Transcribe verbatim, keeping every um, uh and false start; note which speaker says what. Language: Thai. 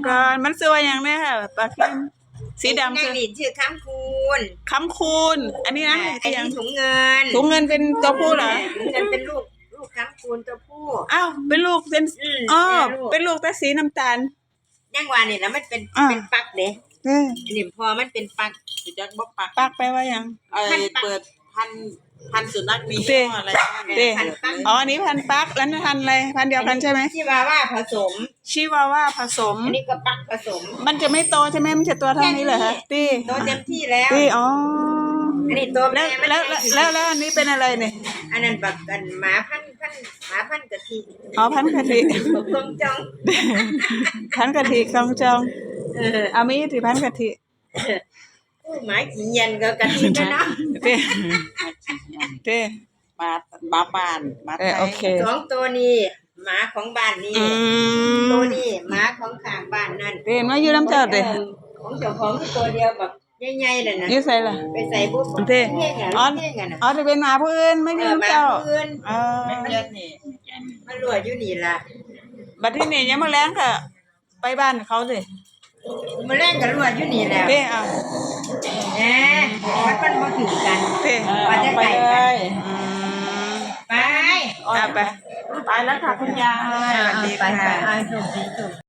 Speaker 1: ก่อนมันสวยอย่างเนี้ยค่ะปลาเค็มสีดำ
Speaker 2: นั่
Speaker 1: คื
Speaker 2: ง
Speaker 1: อ
Speaker 2: นี่ชื่อค้ำคูณ
Speaker 1: คำคูณอันนี้นะ
Speaker 2: อันนี้ถุงเงิน
Speaker 1: ถุงเงินเป็นตัวผู้เหรอ
Speaker 2: ถุงเงินเป็นลูกลูกค้ำคูณตัวผู้
Speaker 1: อ้าวเป็นลูกเป็น
Speaker 2: อืม
Speaker 1: อ๋อ
Speaker 2: แม่ลูก
Speaker 1: เป็นลูกแต่สีน้ำตาล
Speaker 2: ย่างวานี่แล้วมันเป็น
Speaker 1: อ่า
Speaker 2: เป็นปักเด้
Speaker 1: เออ
Speaker 2: อันนี้พอมันเป็นปัก
Speaker 3: สิจักบ่ปัก
Speaker 1: ปักไปว่ายัง
Speaker 3: ไอ้
Speaker 2: พันปัก
Speaker 3: เปิดพันพันสุนัขมี
Speaker 1: เต้
Speaker 3: ยี่ห้ออะไรบ้าง
Speaker 1: เต้
Speaker 2: พันปัก
Speaker 1: อ๋ออันนี้พันปักแล้วนั่นพันอะไรพันเดียวกันใช่ไหม
Speaker 2: ที่ว่าว่าผสม
Speaker 1: ชิวาว่าผสม
Speaker 2: อันนี้ก็ปักผสม
Speaker 1: มันจะไม่โตใช่ไหมมันจะตัวเท่านี้เหรอฮะตี
Speaker 2: โตเต็มที่แล้ว
Speaker 1: ตีอ๋อ
Speaker 2: อันนี้ตัว
Speaker 1: แล้
Speaker 2: แม่
Speaker 1: ว
Speaker 2: มัน
Speaker 1: แล้วแล้วแล้วแล้วอันนี้เป็นอะไรเนี่ย
Speaker 2: อันนั้นแบบกันหมาพันธุ์พันธุ์หมาพันธุ์กะทิ
Speaker 1: อ๋อพันกะทิ
Speaker 2: ผมต้องจอง
Speaker 1: พันกะทิคลองจอง
Speaker 2: เออ
Speaker 1: เอามีที่พันกะทิ
Speaker 2: โอ้หมาขี้เย็นก็กะทิกันเนาะ
Speaker 1: เต้เต้
Speaker 3: มามาบ้านมา
Speaker 1: เออโอเค
Speaker 2: สองตัวนี้หมาของบ้านนี้
Speaker 1: อืม
Speaker 2: ตัวนี้หมาของข้างบ้านนั่น
Speaker 1: เต้มาอยู่น้ำเจ้าเต้
Speaker 2: ของเจ้าของคือตัวเดียวแบบใหญ่ๆเลยนะ
Speaker 1: อยู่ใส่ล่ะ
Speaker 2: ไปใส่บุ๊บ
Speaker 1: เต้
Speaker 2: เท่งอ่ะ
Speaker 1: อ๋อ
Speaker 2: เท่งอ่ะนะ
Speaker 1: อ๋อจะเป็นหมาผู้อื่นไม่
Speaker 2: เอ
Speaker 1: ใช่
Speaker 2: อห
Speaker 1: น้ำ
Speaker 2: มา
Speaker 1: เจ้า
Speaker 2: พื้น
Speaker 1: เออ
Speaker 3: ไม่เยอะนี่
Speaker 2: มันรั่วอยู่นี่ล่ะ
Speaker 1: บัดที่นี่ยังมาแล้งค่ะ ไปบ้านเขาสิ
Speaker 2: มาแรงกับรั่วอยู่นี่แล้ว
Speaker 1: เต้อ่ะ
Speaker 2: แหมมันมันมาถึงกัน
Speaker 1: เต้
Speaker 2: ว่าจะ
Speaker 3: ไป
Speaker 2: ไก่
Speaker 3: เล
Speaker 2: กัน
Speaker 3: ย
Speaker 1: อืม
Speaker 2: ไป
Speaker 1: อ่ะไป
Speaker 3: ไปแล้วค่ะคุณยาย
Speaker 2: ไปไปไป